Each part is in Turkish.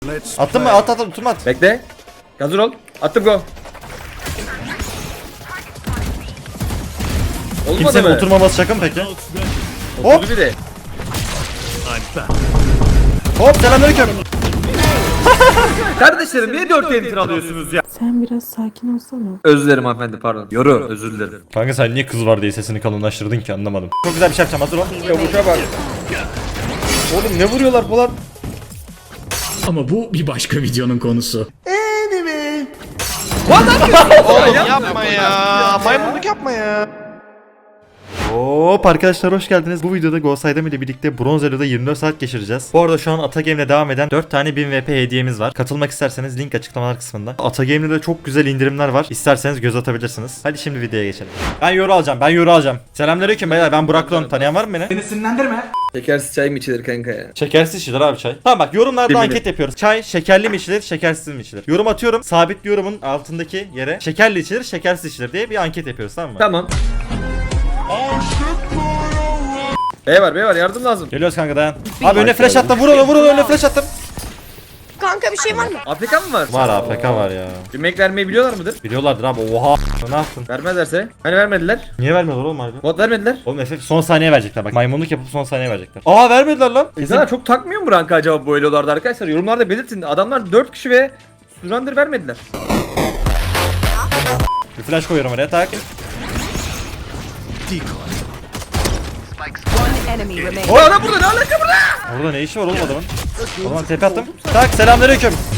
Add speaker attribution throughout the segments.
Speaker 1: Attın mı? At oturma at.
Speaker 2: Bekle. Hazır ol. Attım go. Olmadı
Speaker 1: Kimsenin
Speaker 2: mı?
Speaker 1: oturmaması şaka mı peki?
Speaker 2: Hop. Bir de.
Speaker 1: Hop selamünaleyküm.
Speaker 2: Kardeşlerim niye 4 enter alıyorsunuz ya?
Speaker 3: Sen biraz sakin olsana.
Speaker 2: Özür dilerim hanımefendi pardon. Yoru özür dilerim.
Speaker 1: Kanka sen niye kız var diye sesini kalınlaştırdın ki anlamadım. Çok güzel bir şey yapacağım hazır ol.
Speaker 2: Çavuşa bak.
Speaker 1: Oğlum ne vuruyorlar Polat?
Speaker 4: Ama bu bir başka videonun konusu.
Speaker 5: Oğlum yapma ya. Maymunluk yapma ya.
Speaker 1: Hop arkadaşlar hoş geldiniz. Bu videoda GoSaydam ile birlikte Bronz Elo'da 24 saat geçireceğiz. Bu arada şu an Atagame'le devam eden 4 tane 1000 VP hediyemiz var. Katılmak isterseniz link açıklamalar kısmında. Atagame'de de çok güzel indirimler var. İsterseniz göz atabilirsiniz. Hadi şimdi videoya geçelim. Ben yoru alacağım. Selamünaleyküm beyler, ben Burak Lon. Tanıyan var mı beni?
Speaker 2: Şekersiz çay mı içilir kanka ya?
Speaker 1: Şekersiz içilir abi çay. Tamam bak yorumlarda
Speaker 2: Eminim.
Speaker 1: anket yapıyoruz. Çay şekerli mi içilir, şekersiz mi içilir? Yorum atıyorum. Sabit yorumun altındaki yere şekerli içilir, şekersiz içilir diye bir anket yapıyoruz, tamam mı?
Speaker 2: Tamam. B var yardım lazım.
Speaker 1: Geliyoruz kanka dayan. Abi önüne flash attım. Vur onu önüne flash attım.
Speaker 6: Kanka bir şey var mı?
Speaker 2: APK mı var?
Speaker 1: Var APK var ya.
Speaker 2: Yemek vermeyi biliyorlar mıdır?
Speaker 1: Biliyorlardır abi. Oha. Ne yaptın?
Speaker 2: Vermezlerse. Hani vermediler?
Speaker 1: Niye vermiyorlar oğlum harbi?
Speaker 2: Bot vermediler.
Speaker 1: Oğlum FF son saniye verecekler bak. Maymunluk yapıp son saniye verecekler. Aa vermediler lan.
Speaker 2: İnsanlar çok takmıyor mu ranka acaba bu elolarda arkadaşlar? Yorumlarda belirtin. Adamlar 4 kişi ve surrender vermediler.
Speaker 1: Bir flash koyuyorum oraya tak.
Speaker 6: One enemy remaining.
Speaker 2: O adam burada ne alaka burada?
Speaker 1: Orada ne işi var oğlum adamın? O zaman tepe attım. Tak selamünaleyküm.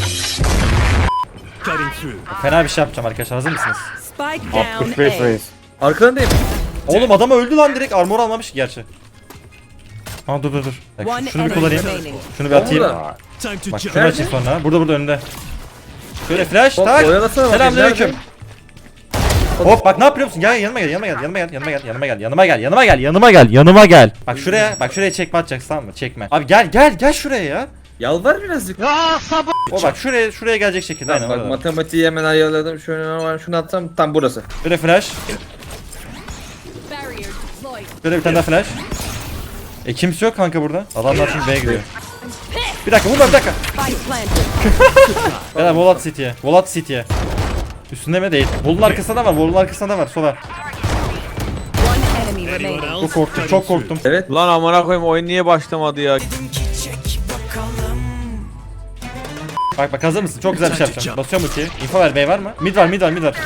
Speaker 1: Fena bir şey yapacağım arkadaşlar, hazır mısınız?
Speaker 6: Spike down A.
Speaker 2: Arkalarındayım.
Speaker 1: Oğlum adam öldü lan direkt, armor almamış ki gerçi. Ha dur. Bak,
Speaker 6: One
Speaker 1: şunu bir
Speaker 6: enemy
Speaker 1: kullanayım.
Speaker 6: remaining.
Speaker 1: Şunu bir atayım.
Speaker 2: Burada.
Speaker 1: Bak şunu açayım sonra. Burada önünde. Şöyle flash
Speaker 2: Hop,
Speaker 1: tak.
Speaker 2: oyalasana bak,
Speaker 1: Selamünaleyküm.
Speaker 2: nerede?
Speaker 1: Hop bak ne yapıyor musun? Gel yanıma gel. Bak şuraya çekme atacaksın, tamam mı? Çekme. Abi gel şuraya ya.
Speaker 2: Yalvar birazcık.
Speaker 1: O bak şuraya gelecek şekilde.
Speaker 2: Tamam,
Speaker 1: Aynen
Speaker 2: bak
Speaker 1: orada.
Speaker 2: matematiği hemen ayarladım. Şunu atsam tam burası.
Speaker 1: Şöyle flash. Şöyle bir tane daha flash. Kimse yok kanka burada. Adamlar şimdi B'ye gidiyor. Bir dakika vurma bir dakika.
Speaker 6: Spike planted.
Speaker 1: Beyler Volat City'ye. Üstünde mi değil? Volun arkasında var. Sola.
Speaker 6: One enemy remaining.
Speaker 1: Çok korktum.
Speaker 2: Evet.
Speaker 5: Lan amına koyayım oyun niye başlamadı ya?
Speaker 1: Bak hazır mısın? Çok güzel bir şey yapacağım. Basıyorum ultiyi. Info ver, B var mı? Mid var.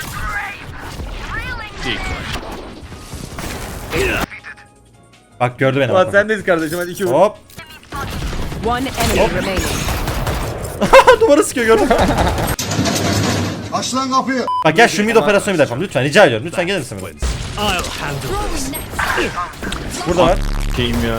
Speaker 1: Bak gördü beni.
Speaker 2: Ulan
Speaker 1: bak.
Speaker 2: sendeyiz kardeşim hadi 2 vur.
Speaker 1: Hop.
Speaker 6: One enemy remaining.
Speaker 1: Duvara sıkıyor, gördün mü?
Speaker 7: Aç lan kapıyı.
Speaker 1: Bak gel şu mid operasyonu bir yapalım. Lütfen rica ediyorum. Lütfen gelir misin buraya? Burada var.
Speaker 5: Şeyim ya.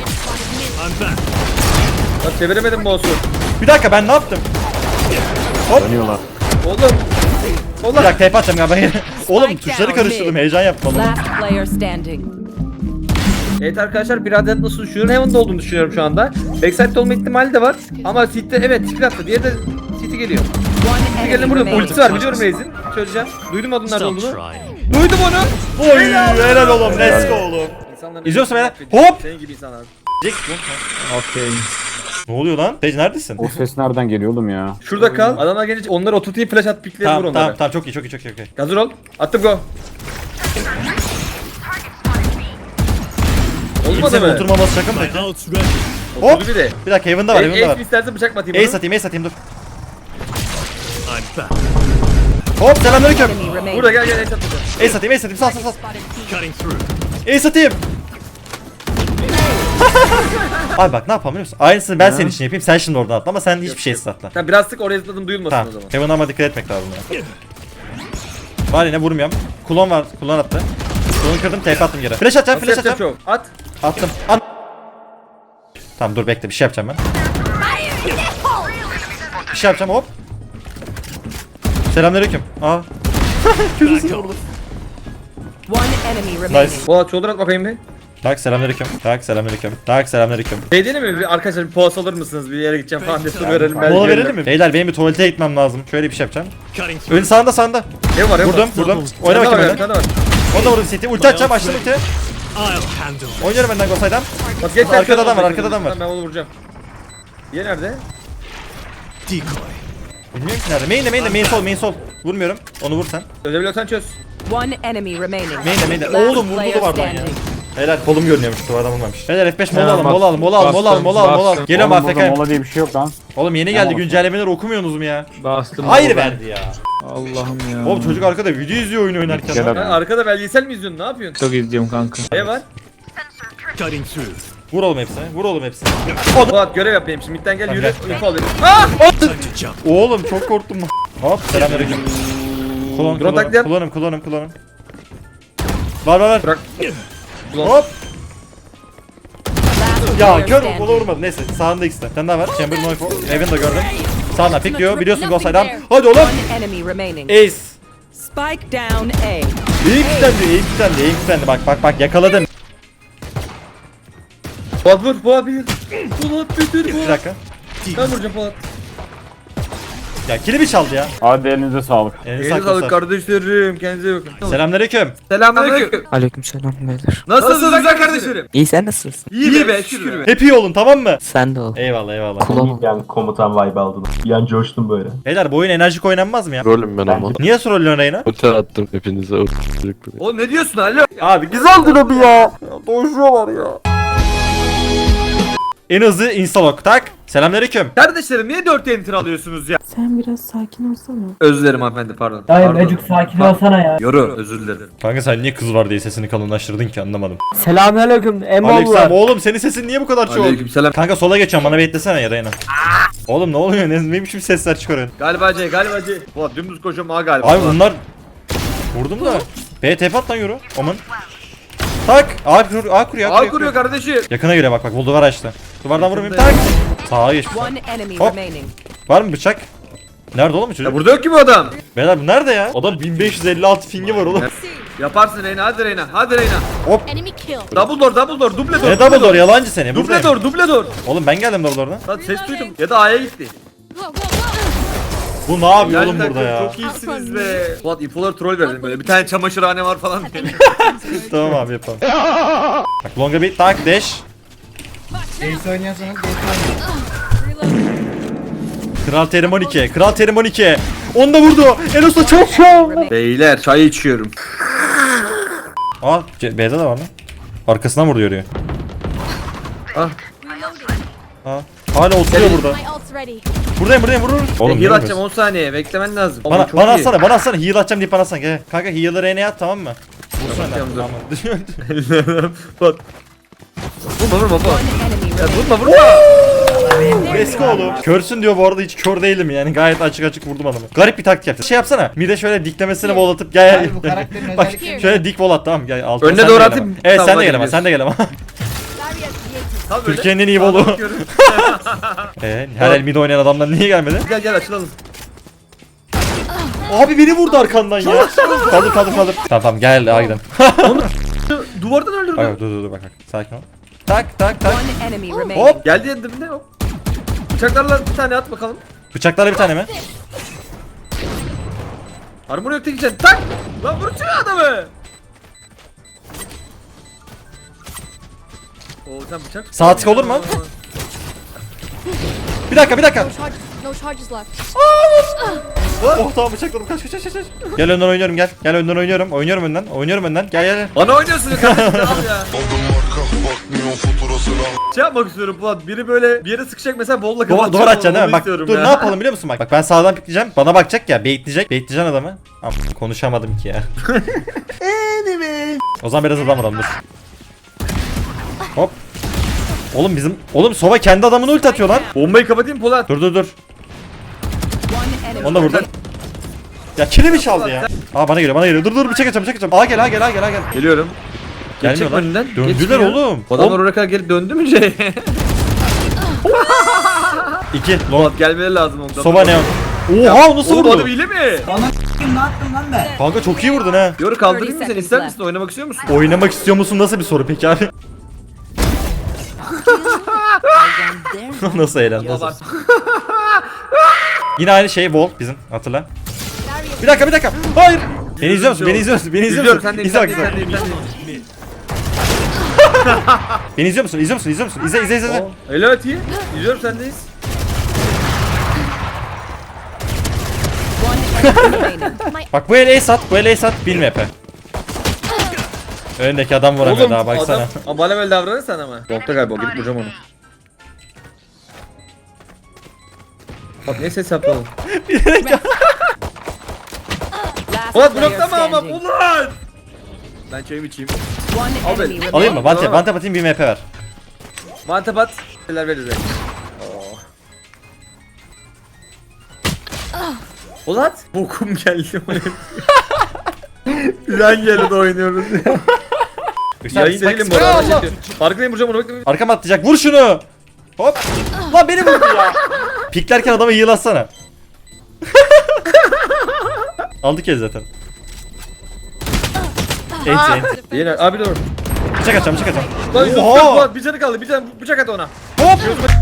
Speaker 2: Bak çeviremedim boss'u.
Speaker 1: Bir dakika ben ne yaptım?
Speaker 5: Dönüyorlar.
Speaker 2: Oğlum.
Speaker 1: Bir dakika TP atacağım galiba. Oğlum
Speaker 6: Spike
Speaker 1: tuşları
Speaker 6: down
Speaker 1: karıştırdım.
Speaker 6: mid.
Speaker 1: Heyecan yaptım.
Speaker 6: Last player standing.
Speaker 2: Evet arkadaşlar bir adet nasıl düşünüyorum? Heaven'da olduğunu düşünüyorum şu anda. Backside'de olma ihtimali de var. Ama City'de evet City attı. Diğeri de City geliyor.
Speaker 6: One
Speaker 2: City geldi
Speaker 6: enemy
Speaker 2: burada
Speaker 6: remaining.
Speaker 2: ultisi var biliyorum Reis'in. Çözeceğim. Duydum adın nerede olduğunu. Duydum onu.
Speaker 1: Oy helal oğlum. Let's go oğlum.
Speaker 2: İnsanların
Speaker 1: İzliyorsun beni.
Speaker 2: affediyor.
Speaker 1: Hop.
Speaker 2: Senin gibi insanlar.
Speaker 5: Okey.
Speaker 1: Ne oluyor lan? Sage neredesin?
Speaker 5: O ses nereden geliyor oğlum ya?
Speaker 2: Şurada kal. Adamlar gelince onları oturtayım flash at pikleri vur onlara.
Speaker 1: Tamam çok iyi.
Speaker 2: Hazır ol. Attım go. Olmadı
Speaker 1: Kimsenin
Speaker 2: mı?
Speaker 1: oturmaması şaka mı peki? Hop.
Speaker 2: Oturdu bir de.
Speaker 1: Bir dakika Heaven'da var.
Speaker 2: Ace istersen bıçak mı atayım
Speaker 1: Ace atayım dur. Hop selamünaleyküm.
Speaker 6: Enemy remaining.
Speaker 2: Burada gel Ace at bıçak.
Speaker 1: Ace atayım sal. Ace atayım. Abi bak ne yapalım biliyor musun? Aynısını ben senin için yapayım. Sen şimdi oradan atla ama sen hiçbir şey atla.
Speaker 2: Tamam biraz sık oraya zıpladım duyulmasın
Speaker 1: Tamam.
Speaker 2: o zaman.
Speaker 1: Heaven'a ama dikkat etmek lazım ya. Var yine vurmuyorum. Kulon attı. Kulonu kırdım, TP attım geri. Flash atacağım.
Speaker 2: Nasıl yapacağım çok? At.
Speaker 1: Attım. Tamam dur bekle, bir şey yapacağım ben. Bir şey yapacağım hop. Selamünaleyküm. Aa.
Speaker 6: One enemy remaining.
Speaker 1: Nice.
Speaker 2: Polat shoulder at bakayım bir.
Speaker 1: Tak selamünaleyküm.
Speaker 2: Şey diyelim mi? Bir arkadaşlar bir poğaç alır mısınız? Bir yere gideceğim falan diye su verelim. belki
Speaker 1: Mola
Speaker 2: verirler.
Speaker 1: verelim mi? Beyler benim bir tuvalete gitmem lazım. Şöyle bir şey yapacağım. Ön sağında.
Speaker 2: Ne var?
Speaker 1: Vurdum. Oyna bakayım
Speaker 2: öyle.
Speaker 1: önden. Onu da vurdum City. Ulti atacağım, açtım ulti. Oynuyorum önden GoSaydam.
Speaker 2: Bak geç
Speaker 1: Arkada adam var.
Speaker 2: Tamam ben onu vuracağım. Diğeri nerede?
Speaker 1: Bilmiyorum ki nerede. Main sol. Vurmuyorum. Onu vur sen.
Speaker 2: Çözebiliyorsan çöz.
Speaker 6: One enemy remaining.
Speaker 1: Main'de.
Speaker 6: Last
Speaker 1: Oğlum vurdu
Speaker 6: player
Speaker 1: duvardan ya.
Speaker 6: standing.
Speaker 1: Helal kolum görünüyormuş duvardan vurmamış. Beyler F5
Speaker 3: Ya,
Speaker 1: mola alalım. Geliyorum
Speaker 3: Oğlum burada
Speaker 1: AFK.
Speaker 3: mola diye bir şey yok lan.
Speaker 1: Oğlum yeni geldi güncellemeleri okumuyorsunuz mu ya?
Speaker 3: Bastım.
Speaker 1: Hayır verdi ya.
Speaker 3: Allah'ım ya.
Speaker 1: Oğlum çocuk arkada video izliyor oyun oynarken.
Speaker 3: Gel
Speaker 1: lan.
Speaker 3: abi.
Speaker 2: Ha, arkada belgesel mi izliyorsun? Ne yapıyorsun?
Speaker 3: Çok izliyorum kanka.
Speaker 2: Ne var?
Speaker 1: Vur oğlum hepsini.
Speaker 2: Fuat görev yapayım şimdi. Midden gel yürü.
Speaker 1: Gel.
Speaker 2: Info alayım.
Speaker 1: Oğlum çok korktum. Hop selamünaleyküm.
Speaker 2: Drone taklidi.
Speaker 1: Kullanım. Var.
Speaker 2: Bırak. Ulan.
Speaker 1: Hop.
Speaker 6: Last
Speaker 1: Ya
Speaker 6: player
Speaker 1: kör
Speaker 6: standing.
Speaker 1: kola vurmadı. Neyse sağında ikisi de. Sen daha var. Chamber Noifo. Evan da gördüm. Sağından pick diyor. Biliyorsun gol saydan. Hadi oğlum.
Speaker 6: One enemy remaining.
Speaker 1: Ace.
Speaker 6: Spike down A.
Speaker 1: İyi kitlendi. Bak yakaladım.
Speaker 2: Fuat vur. Fuat bir. Fuat bitir
Speaker 1: Bir
Speaker 2: Fuat.
Speaker 1: dakika.
Speaker 2: Ben vuracağım Fuat.
Speaker 1: Ya kilimi çaldı ya.
Speaker 3: Hadi elinize sağlık.
Speaker 1: Elini
Speaker 2: Elinize sağlık kardeşlerim. Kendinize iyi bakın.
Speaker 1: Selamünaleyküm.
Speaker 2: Selamünaleyküm.
Speaker 8: Aleykümselam beyler.
Speaker 2: Nasılsınız güzel kardeşlerim?
Speaker 8: İyi sen nasılsın?
Speaker 2: İyi be şükür be.
Speaker 1: Hep iyi olun tamam mı?
Speaker 8: Sen de ol.
Speaker 1: Eyvallah.
Speaker 8: Kulağım ol.
Speaker 9: Yani komutan vibe aldım. Yani coştum böyle.
Speaker 1: Beyler bu oyun enerjik oynanmaz mı ya?
Speaker 10: Rolüm ben ama.
Speaker 1: Niye trollüyorsun Reyna?
Speaker 10: Otel attım hepinize.
Speaker 2: Oğlum ne diyorsun alo?
Speaker 1: Abi güzeldir abi ya. Doğuşuyorlar ya. En hızlı instalok tak. Selamünaleyküm.
Speaker 2: Kardeşlerim niye 4 enter alıyorsunuz ya?
Speaker 11: Sen biraz sakin olsana.
Speaker 2: Özür dilerim hanımefendi pardon.
Speaker 11: Dayı
Speaker 2: Pardon.
Speaker 11: Ecuk sakin olsana ya.
Speaker 2: Yoru özür dilerim.
Speaker 1: Kanka sen niye kız var diye sesini kalınlaştırdın ki anlamadım.
Speaker 11: Selamünaleyküm
Speaker 1: Aleyküm
Speaker 11: Emollar.
Speaker 1: oğlum senin sesin niye bu kadar çok?
Speaker 2: Aleykümselam.
Speaker 1: Kanka sola geçiyorum bana beklesene ya Reyna. Oğlum ne oluyor ne biçim sesler çıkarıyorsun?
Speaker 2: Galiba C. Fuat dümdüz koşuyorum ha galiba.
Speaker 1: Abi bunlar vurdum da. B TP at lan yürü. Oman. Tak. A kuruyor.
Speaker 2: Kardeşim.
Speaker 1: Yakına göre bak bu duvar açtı. Duvardan vurmayayım tak. Sağa geç.
Speaker 6: One enemy
Speaker 1: Hop.
Speaker 6: remaining.
Speaker 1: Var mı bıçak? Nerede oğlum bu çocuk?
Speaker 2: Ya burada yok ki bu adam.
Speaker 1: Beyler bu nerede ya? Adam 1556 fingi var oğlum.
Speaker 2: Yaparsın Reyna hadi Reyna. Hadi Reyna.
Speaker 6: Enemy kill.
Speaker 2: Double door duble door.
Speaker 1: Ne double door yalancı seni. Buradayım.
Speaker 2: Duble door.
Speaker 1: Oğlum ben geldim double door'dan.
Speaker 2: Lan ses duydum. Ya da A'ya gitti.
Speaker 1: Bu ne yapıyor
Speaker 2: Yani
Speaker 1: oğlum burada ya?
Speaker 2: Çok iyisiniz be. Fuat ipolar troll verdim böyle. Bir tane çamaşırhane var falan diye.
Speaker 1: Tamam abi yapalım. Bak longa bir tak dash. Kral Terim 12. Kral Terim 12. Onu da vurdu. Enos da çok şov.
Speaker 2: Beyler çay içiyorum.
Speaker 1: Aa B'de de var lan. Arkasından vurdu yürüyor.
Speaker 2: Ah.
Speaker 1: Aa. Hala oturuyor burada. Buradayım vur. Oğlum
Speaker 2: Heal
Speaker 1: ne
Speaker 2: atacağım 10 saniye. Beklemen lazım. Oğlum,
Speaker 1: Bana,
Speaker 2: çok
Speaker 1: bana
Speaker 2: iyi.
Speaker 1: atsana heal atacağım deyip bana atsana. Gel. Kanka heal'ı R'ye at tamam mı? Vursana.
Speaker 2: Tamam, dur.
Speaker 1: Tamam.
Speaker 2: Fuat. Vurma Fuat.
Speaker 6: One enemy
Speaker 2: Ya
Speaker 6: remaining.
Speaker 2: vurma.
Speaker 1: Eski oğlum. Körsün diyor bu arada hiç kör değilim yani gayet açık vurdum adamı. Garip bir taktik yaptı. Şey yapsana. Mide şöyle diklemesine vol atıp gel. Bak şöyle dik vol at tamam gel. Altına
Speaker 2: Önüne
Speaker 1: sen de
Speaker 2: doğru
Speaker 1: gel
Speaker 2: atayım.
Speaker 1: ama. Evet
Speaker 2: Tamam,
Speaker 1: sen de
Speaker 2: hadi
Speaker 1: gel ama sen de gel ama.
Speaker 2: Kal böyle.
Speaker 1: Türkiye'nin en iyi volu.
Speaker 2: Bakıyorum.
Speaker 1: Her el mid oynayan adamlar niye gelmedi?
Speaker 2: Gel açılalım.
Speaker 1: Abi beni vurdu arkandan ya. Kaldır. Tamam gel gidelim.
Speaker 2: Duvardan öldürdüm.
Speaker 1: Bak dur bak. Sakin ol. Tak.
Speaker 6: One enemy remaining.
Speaker 1: Hop.
Speaker 2: Geldi yanımda hop. Bıçaklarla bir tane at bakalım.
Speaker 1: Bıçaklarla bir tane mi?
Speaker 2: Armor yok tek içen. Tak! Lan vur şu adamı. Oo sen bıçak.
Speaker 1: Sağ tık olur mu? Bir dakika.
Speaker 11: No charges left.
Speaker 1: Oh tamam bıçakladım kaç. Gel önden oynuyorum gel. Gel önden oynuyorum. Oynuyorum önden. Gel.
Speaker 2: Bana oynuyorsun ya kardeşim al ya. Şey yapmak istiyorum Fuat. Biri böyle bir yere sıkacak mesela bolla kapatacak.
Speaker 1: Duvar atacaksın değil mi?
Speaker 2: Onu
Speaker 1: Bak
Speaker 2: istiyorum
Speaker 1: dur
Speaker 2: ya.
Speaker 1: ne yapalım biliyor musun? Bak ben sağdan pikleyeceğim. Bana bakacak ya. Baitleyeceksin adamı. Ama konuşamadım ki ya. O zaman biraz adam dur. Hop. Oğlum Sova kendi adamını ulti atıyor lan.
Speaker 2: Bombayı kapatayım Polat.
Speaker 1: Dur.
Speaker 6: One enemy.
Speaker 1: Onu da vurdun. Ya kilimi çaldı ya. Aa bana geliyor. Dur bıçak atacağım. Aa gel.
Speaker 2: Geliyorum.
Speaker 1: Gelmiyor
Speaker 2: Geçecek
Speaker 1: lan.
Speaker 2: önünden.
Speaker 1: Döndüler
Speaker 2: Geçmiyor.
Speaker 1: oğlum.
Speaker 2: Adamlar oraya kadar gelip döndü mü şey?
Speaker 1: 2 long.
Speaker 2: Polat gelmeleri lazım ondan.
Speaker 1: Sova neon. Oha o nasıl
Speaker 2: Oğlum adam
Speaker 1: vurdu?
Speaker 2: hile mi?
Speaker 1: Kanka çok iyi vurdun ha.
Speaker 2: Yoru kaldırayım mı seni?
Speaker 6: 30
Speaker 2: İster
Speaker 6: seconds
Speaker 2: misin? Oynamak istiyor musun?
Speaker 1: Oynamak istiyor musun nasıl bir soru peki abi? Nasıl eğlendi?
Speaker 2: Baba.
Speaker 1: Yine aynı şey Vol bizim hatırla. Bir dakika. Hayır. Beni izliyor musun?
Speaker 2: İzliyorum sen de
Speaker 1: İzle bak.
Speaker 2: sen de.
Speaker 1: Beni izliyor musun? İzle.
Speaker 2: Evet iyi. İzliyorum sendeyiz.
Speaker 6: remaining.
Speaker 1: Bak bu el ace at, bu el ace at. 1000 VP. Önündeki adam vuramıyor daha baksana.
Speaker 2: Adam, ama bana böyle davranırsan ama. Yokta galiba gidip vuracağım onu. Bak ne ses yapalım.
Speaker 6: Last
Speaker 2: Polat
Speaker 6: player
Speaker 2: bloklama ama
Speaker 6: standing.
Speaker 2: Polat. Ben çayımı içeyim.
Speaker 6: One
Speaker 2: Al beni.
Speaker 6: enemy
Speaker 1: Alayım mı?
Speaker 6: remaining.
Speaker 1: Vante atayım 1000 VP ver.
Speaker 2: Mantapat. Şeyler veririz. Polat. Bokum geldi. Güzel yerde oynuyoruz ya. Yayın değilim bu arada. Farkındayım vuracağım onu bekle.
Speaker 1: Arkama atlayacak. Vur şunu. Hop. Lan beni vurdu ya. Piklerken adamı yığılatsana. Aldık ya zaten. Enti.
Speaker 2: Yine abi dur.
Speaker 1: Bıçak atacağım, bıçak atacağım.
Speaker 2: Lan yok,
Speaker 1: Oha!
Speaker 2: yok, Polat bir canı kaldı. Bir canı bıçak at ona.
Speaker 1: Hop.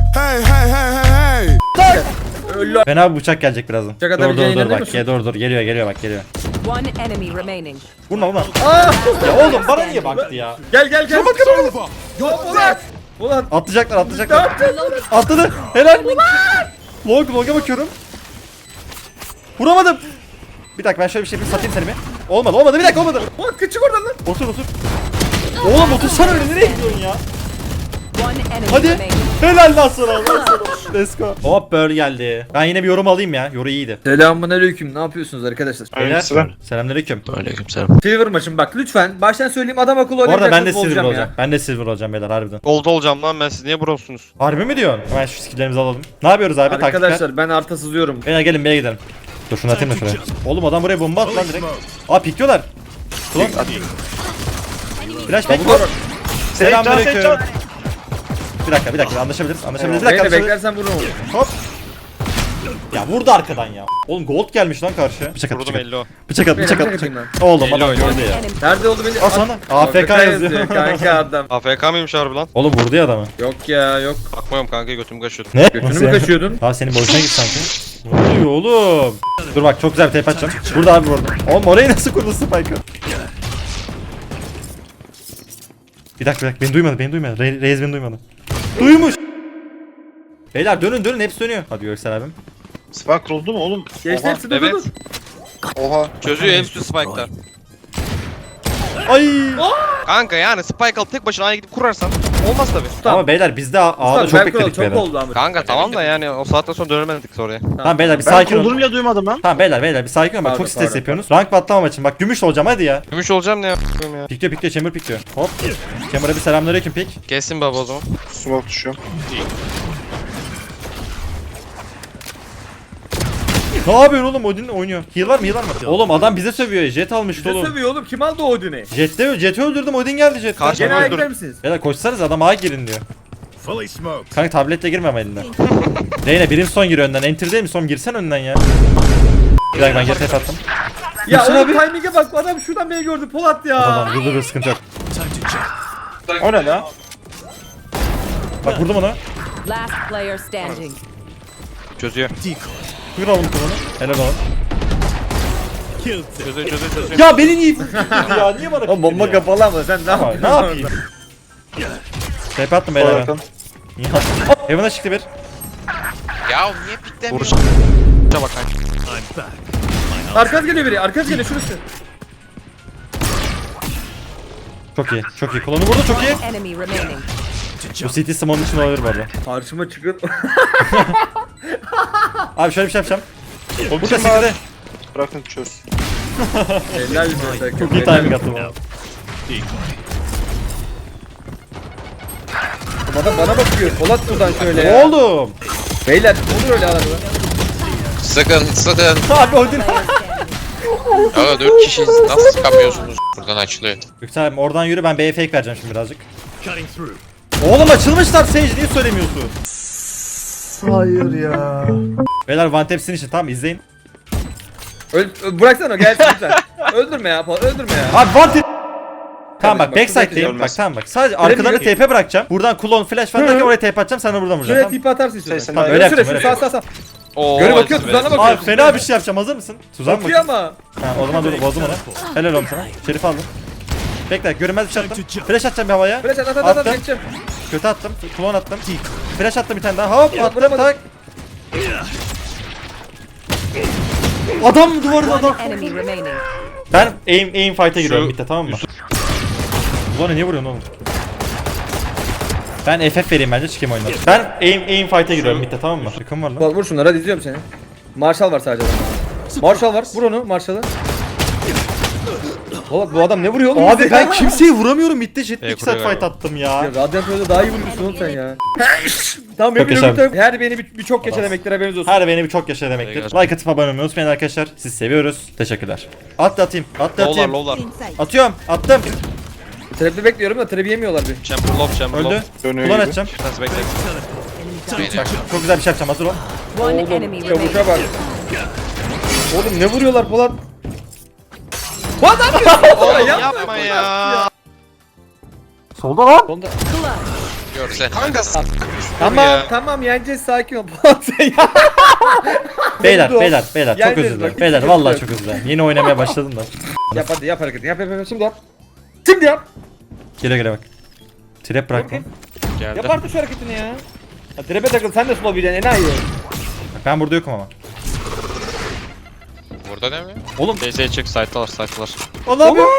Speaker 2: Öyle.
Speaker 1: Fena bir bıçak gelecek birazdan.
Speaker 2: Bıçak
Speaker 1: Dur
Speaker 2: atabileceğine
Speaker 1: dur dur
Speaker 2: inanıyor
Speaker 1: bak.
Speaker 2: musun?
Speaker 1: Dur geliyor bak geliyor.
Speaker 6: One enemy remaining.
Speaker 1: Vurma vurma.
Speaker 2: Aa!
Speaker 1: Ya oğlum bana niye baktı ya?
Speaker 2: Gel. Yok Polat. Polat.
Speaker 1: Atlayacaklar.
Speaker 2: Ne yaptın?
Speaker 1: Atladı. Helal. Long'a bakıyorum. Vuramadım. Bir dakika ben şöyle bir şey yapayım satayım seni bir. Olmadı bir dakika olmadı.
Speaker 2: Polat kaçık oradan lan.
Speaker 1: Otur. Oğlum otursana öyle nereye gidiyorsun ya?
Speaker 6: One enemy
Speaker 1: Hadi.
Speaker 6: remaining.
Speaker 1: Helal lan sana. Let's go. Hop böyle geldi. Ben yine bir yorum alayım ya. Yoru iyiydi.
Speaker 2: Selamünaleyküm. Ne yapıyorsunuz arkadaşlar?
Speaker 1: Beyler. Selamünaleyküm.
Speaker 2: Silver maçım bak lütfen. Baştan söyleyeyim adam akıllı
Speaker 1: Bu arada ben de
Speaker 2: oynayacaksınız,
Speaker 1: silver
Speaker 2: olacağım
Speaker 1: olacağım. Ben de silver olacağım beyler harbiden.
Speaker 5: Gold olacağım lan ben, siz niye bronzsunuz?
Speaker 1: Harbi mi diyorsun? Hemen şu skilllerimizi alalım. Ne yapıyoruz abi? Taktikler.
Speaker 2: Arkadaşlar ben arta sızıyorum.
Speaker 1: Beyler gelin B'ye gidelim. Dur şunu atayım da şuraya. Oğlum adam buraya bomba attı lan direkt. Aa pikliyorlar. Ulan. Flash back var. Selamünaleyküm. Bir dakika anlaşabiliriz. Bir dakika
Speaker 2: Beni
Speaker 1: anlaşabiliriz.
Speaker 2: beklersen vururum onu.
Speaker 1: Hop. Ya vurdu arkadan ya. Oğlum gold gelmiş lan karşıya. Bıçak at.
Speaker 5: Vurdum 50 o.
Speaker 1: Bıçak at.
Speaker 2: Bıçak atayım
Speaker 1: Oğlum
Speaker 5: Elli
Speaker 1: adam
Speaker 5: oynuyor.
Speaker 1: gördü ya.
Speaker 6: Enemy.
Speaker 2: Nerede oldu beni?
Speaker 1: Al sana. AFK yazıyor.
Speaker 2: Kanka adam.
Speaker 5: AFK mıymış harbi lan?
Speaker 1: Oğlum vurdu ya adamı.
Speaker 2: Yok ya yok.
Speaker 5: Bakmıyorum kanka, götüm kaşıyordu.
Speaker 1: Ne?
Speaker 2: Götünü
Speaker 1: Nasıl
Speaker 2: mü
Speaker 1: yani?
Speaker 2: kaşıyordun?
Speaker 1: Abi senin boşuna git sanki. Ne oluyor oğlum? Dur bak çok güzel bir tape atacağım. Burada abi burada. Oğlum orayı nasıl kurdu Spike'ı? Bir dakika beni duymadı. Reis beni duymadı. Duymuş. Beyler dönün hepsi dönüyor. Hadi Göksel abim.
Speaker 7: Spark oldu mu oğlum?
Speaker 2: Geçti hepsi dur
Speaker 5: Evet.
Speaker 2: dur.
Speaker 7: Oha.
Speaker 5: Çözüyor hepsi spike'lar.
Speaker 1: Ay.
Speaker 5: Kanka yani spike alıp tek başına A'ya gidip kurarsan olmaz tabi.
Speaker 1: Ama beyler biz de A'da çok bekledik
Speaker 2: Çok
Speaker 1: beyler.
Speaker 2: oldu ama.
Speaker 5: Kanka tamam da yani o saatten sonra dönemedik oraya.
Speaker 1: Tamam beyler bir sakin olun.
Speaker 7: bile duymadım lan.
Speaker 1: Tamam beyler bir sakin olun. Bak
Speaker 2: Pardon,
Speaker 1: çok stres
Speaker 2: pardon.
Speaker 1: yapıyorsunuz. Rank batlamam için. Bak gümüş olacağım hadi ya.
Speaker 5: Gümüş olacağım ne yapayım ya.
Speaker 1: Pikliyor Chamber pikliyor. Hop. Chamber'a bir selamünaleyküm pik.
Speaker 5: Kessin baba o zaman.
Speaker 7: Smoke düşüyor.
Speaker 1: Ne yapıyorsun oğlum? Odin oynuyor. Heal var mı? Oğlum adam bize sövüyor. Jet almıştı
Speaker 2: Bize
Speaker 1: oğlum.
Speaker 2: sövüyor oğlum kim aldı Odin'i?
Speaker 1: Jet'i öldürdüm. Odin geldi Jet.
Speaker 5: Kaç-
Speaker 2: Gene
Speaker 5: Öldür.
Speaker 2: ayıklar misiniz?
Speaker 1: Beyler koşsanız adam A'ya girin diyor. Kanka tabletle girme ama elinden. Reyna birim son giriyor önden. Enter değil mi? Son girsen önden ya. Bir dakika ben geri tep attım.
Speaker 2: Ya
Speaker 1: Gülsün
Speaker 2: oğlum
Speaker 1: abi.
Speaker 2: timing'e bak adam şuradan beni gördü Polat ya.
Speaker 1: Tamam dur sıkıntı yok.
Speaker 7: O ne la?
Speaker 1: Bak vurdum onu.
Speaker 6: Last player standing.
Speaker 5: Çözüyor.
Speaker 1: Buyur oğlum kullanı. Helal oğlum.
Speaker 5: Çözüyor.
Speaker 1: Ya beni niye ya? Niye bana
Speaker 2: Oğlum bomba kapalı ama sen ne
Speaker 1: Ama
Speaker 2: yapıyorsun?
Speaker 1: ne yapayım? Tep attım beyler ben.
Speaker 7: Bakın.
Speaker 1: Niye attım? Heaven'a çıktı bir.
Speaker 5: Ya niye piklemiyor? Vuruş. Bak kanka.
Speaker 2: Arkanız geliyor biri arkanız geliyor şurası.
Speaker 1: Çok iyi. Kullanı vurdu çok iyi.
Speaker 6: One enemy remaining.
Speaker 1: Bu CT Smoke'un için olabilir bu arada.
Speaker 2: Karşıma çıkın.
Speaker 1: Abi şöyle bir şey yapacağım. Burada
Speaker 7: kim
Speaker 1: CT'de.
Speaker 7: Bırakın çöz.
Speaker 2: Helal be.
Speaker 1: Çok iyi timing attım.
Speaker 2: Adam bana bakıyor. Polat buradan şöyle ya.
Speaker 1: Oğlum.
Speaker 2: Beyler olur öyle arada.
Speaker 10: Sakın.
Speaker 1: Abi Odin.
Speaker 10: Aga 4 kişiyiz. Nasıl çıkamıyorsunuz? Buradan açılıyor.
Speaker 1: Yüksel abi oradan yürü ben B'ye fake vereceğim şimdi birazcık. Oğlum açılmışlar Sage niye söylemiyorsun?
Speaker 7: Hayır ya.
Speaker 1: Beyler one tap'sin için tamam izleyin.
Speaker 2: Bıraksana gelsin lütfen. Öldürme ya Polat öldürme ya.
Speaker 1: Abi one tap. Tamam bak
Speaker 2: bak,
Speaker 1: backside'deyim
Speaker 7: ölmez.
Speaker 1: bak tamam bak sadece arkalarına
Speaker 2: yok.
Speaker 1: TP bırakacağım. Buradan kulon flash falan derken oraya TP atacağım sen de buradan
Speaker 2: Şuraya
Speaker 1: vuracaksın.
Speaker 2: tipi atarsın istiyorsan.
Speaker 7: Sen-
Speaker 1: Tamam,
Speaker 7: sen-
Speaker 1: öyle
Speaker 2: Şuraya
Speaker 1: yapacağım,
Speaker 2: şuraya
Speaker 1: öyle
Speaker 2: sağ.
Speaker 5: Oo,
Speaker 2: Göre bakıyor tuzağına
Speaker 1: Abi
Speaker 2: bakıyor.
Speaker 1: fena bir şey yapacağım hazır mısın? Tuzak mı?
Speaker 2: Bakıyor ama.
Speaker 1: Ha, o zaman dur bozdum onu. Helal olsun sana. Şerif aldım. Bekle görünmez bir şey attım. Flash atacağım bir havaya.
Speaker 2: Flash at
Speaker 1: Attım.
Speaker 2: geçeceğim.
Speaker 1: Kötü attım. Klon attım. Flash attım bir tane daha. Hop attım
Speaker 2: vuramadım.
Speaker 1: tak. Adam mı duvarda adam?
Speaker 6: One enemy remaining.
Speaker 1: Ben aim fight'a giriyorum bitti tamam mı? Ulan niye vuruyorsun oğlum? Ben FF vereyim bence çıkayım oyundan. Ben aim fight'a giriyorum bitti tamam mı? Yakın var lan.
Speaker 2: Vur şunları hadi izliyorum seni. Marshall var sadece adamda. Marshall var. Vur onu Marshall'ı. Oğlum bu adam ne vuruyor oğlum?
Speaker 1: Abi ben kimseyi vuramıyorum bitti jet 2 saat
Speaker 5: kuruyor
Speaker 1: fight attım ya.
Speaker 2: Radyant öyle daha iyi vuruyorsun oğlum sen ya. Tamam
Speaker 1: Çok
Speaker 2: benim
Speaker 1: yaşa.
Speaker 2: her beni bir çok geçe demektir haberiniz olsun.
Speaker 1: Her beni bir çok yaşa demektir. Like atıp abone olmayı unutmayın arkadaşlar. Sizi seviyoruz. Teşekkürler. Atayım.
Speaker 5: Lowlar
Speaker 1: Atayım.
Speaker 5: lowlar.
Speaker 1: Atıyorum. Attım.
Speaker 2: Trap'i bekliyorum da trap'i yemiyorlar bir.
Speaker 5: Chamber low chamber
Speaker 1: Öldü.
Speaker 5: low.
Speaker 7: Dönüyor
Speaker 1: Ulan
Speaker 7: gibi.
Speaker 1: atacağım.
Speaker 5: Biraz bekle.
Speaker 1: Çok güzel bir şey yapacağım. Hazır ol.
Speaker 6: One
Speaker 2: Oğlum
Speaker 6: enemy
Speaker 2: çavuşa
Speaker 6: remaining.
Speaker 2: bak. Oğlum ne vuruyorlar Polat? Polat ne yapıyorsun?
Speaker 5: Oğlum
Speaker 2: Yapma.
Speaker 5: yapma ya.
Speaker 9: Solda lan.
Speaker 2: Sonda.
Speaker 10: Görsen.
Speaker 2: Tamam yeneceğiz sakin ol Polat sen ya.
Speaker 1: Beyler
Speaker 2: Oldu.
Speaker 1: çok
Speaker 2: Geldi,
Speaker 1: özür dilerim.
Speaker 2: bak,
Speaker 1: Beyler
Speaker 2: hiç
Speaker 1: vallahi
Speaker 2: sıkıntı
Speaker 1: çok özür dilerim. Yeni oynamaya başladım da.
Speaker 2: Yap hadi yap hareketi yap şimdi yap. Şimdi yap.
Speaker 1: Gele bak. Trap bırakma.
Speaker 2: Yap
Speaker 5: Geldi.
Speaker 2: artık şu hareketini ya. Ha, trap'e takıl sen de slow bileceksin enayi.
Speaker 1: Bak ben burada yokum ama.
Speaker 10: Burada değil mi?
Speaker 1: Oğlum.
Speaker 5: DS'ye çık site'lar site'lar.
Speaker 1: Allah'ım.
Speaker 6: One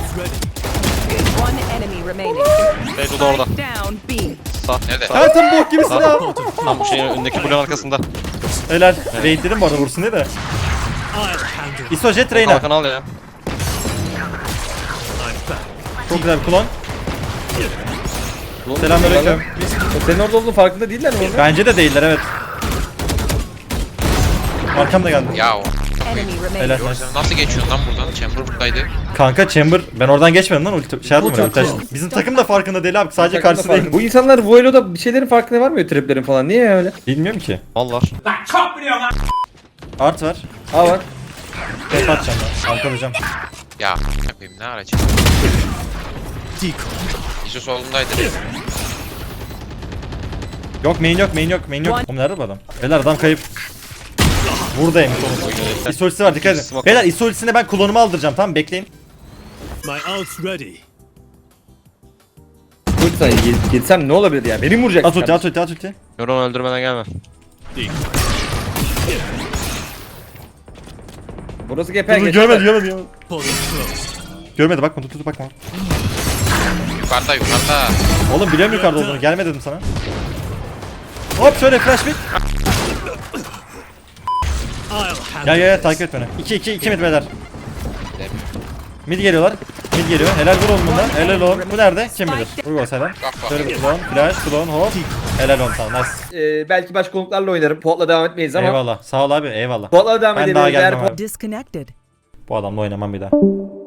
Speaker 6: enemy remaining.
Speaker 5: Beydu da orada.
Speaker 6: Down B.
Speaker 5: Sağ.
Speaker 10: Nerede?
Speaker 5: Sağ.
Speaker 1: Hayatım bok gibisin ha.
Speaker 5: Tam bu şeyin önündeki bloğun arkasında.
Speaker 1: Helal. Raid dedim bu arada vursun diye de. ISO jet Reyna.
Speaker 5: Kalkan al ya.
Speaker 1: Çok güzel bir klon. Selamünaleyküm.
Speaker 2: Senin orada olduğun farkında değiller mi oğlum?
Speaker 1: Bence de değiller evet. Arkamda geldi.
Speaker 10: Ya o.
Speaker 6: Enemy
Speaker 1: Helal.
Speaker 6: remaining.
Speaker 1: nice.
Speaker 10: Nasıl geçiyorsun lan buradan? Chamber buradaydı.
Speaker 1: Kanka Chamber ben oradan geçmedim lan ulti şey yapmadım ulti açtım. Bizim takım da farkında değil abi sadece karşısı değil.
Speaker 2: Bu insanlar Voilo'da bir şeylerin farkına varmıyor traplerin falan. Niye öyle?
Speaker 1: Bilmiyorum ki.
Speaker 5: Mallar.
Speaker 1: Art var.
Speaker 2: Ha var.
Speaker 1: Tep atacağım ben. Arkalayacağım.
Speaker 10: Ya yapayım ne aracı? İşte solundaydı.
Speaker 1: Yok main yok. Oğlum nerede bu adam? Beyler adam kayıp. Buradaymış oğlum. İsolisi var dikkat edin. Beyler isolisine ben klonumu aldıracağım tamam bekleyin.
Speaker 2: Lütfen gitsem ne olabilir ya? Beni mi vuracaksın?
Speaker 1: At ulti.
Speaker 5: Yoron öldürmeden gelme.
Speaker 2: Burası geper
Speaker 1: Dur,
Speaker 2: geçer.
Speaker 1: görmedi. Görmedi bakma tut bakma.
Speaker 10: Yukarıda.
Speaker 1: Oğlum biliyorum yukarıda olduğunu gelme dedim sana. Hop şöyle flash mid. Gel takip et beni. 2 mid beyler. Mid geliyorlar. Mid geliyor. Helal vur oğlum bundan. Helal oğlum. Bu nerede? Kim bilir? Vur o selam. Şöyle bir klon hop. Helal oğlum tamam nice.
Speaker 2: Belki başka konuklarla oynarım. Potla devam etmeyiz ama.
Speaker 1: Eyvallah. Sağ ol abi eyvallah.
Speaker 2: Potla devam
Speaker 1: Ben
Speaker 2: edelim.
Speaker 1: daha
Speaker 2: Eğer
Speaker 1: gelmem abi.
Speaker 6: Disconnected.
Speaker 1: Bu adamla oynamam bir daha.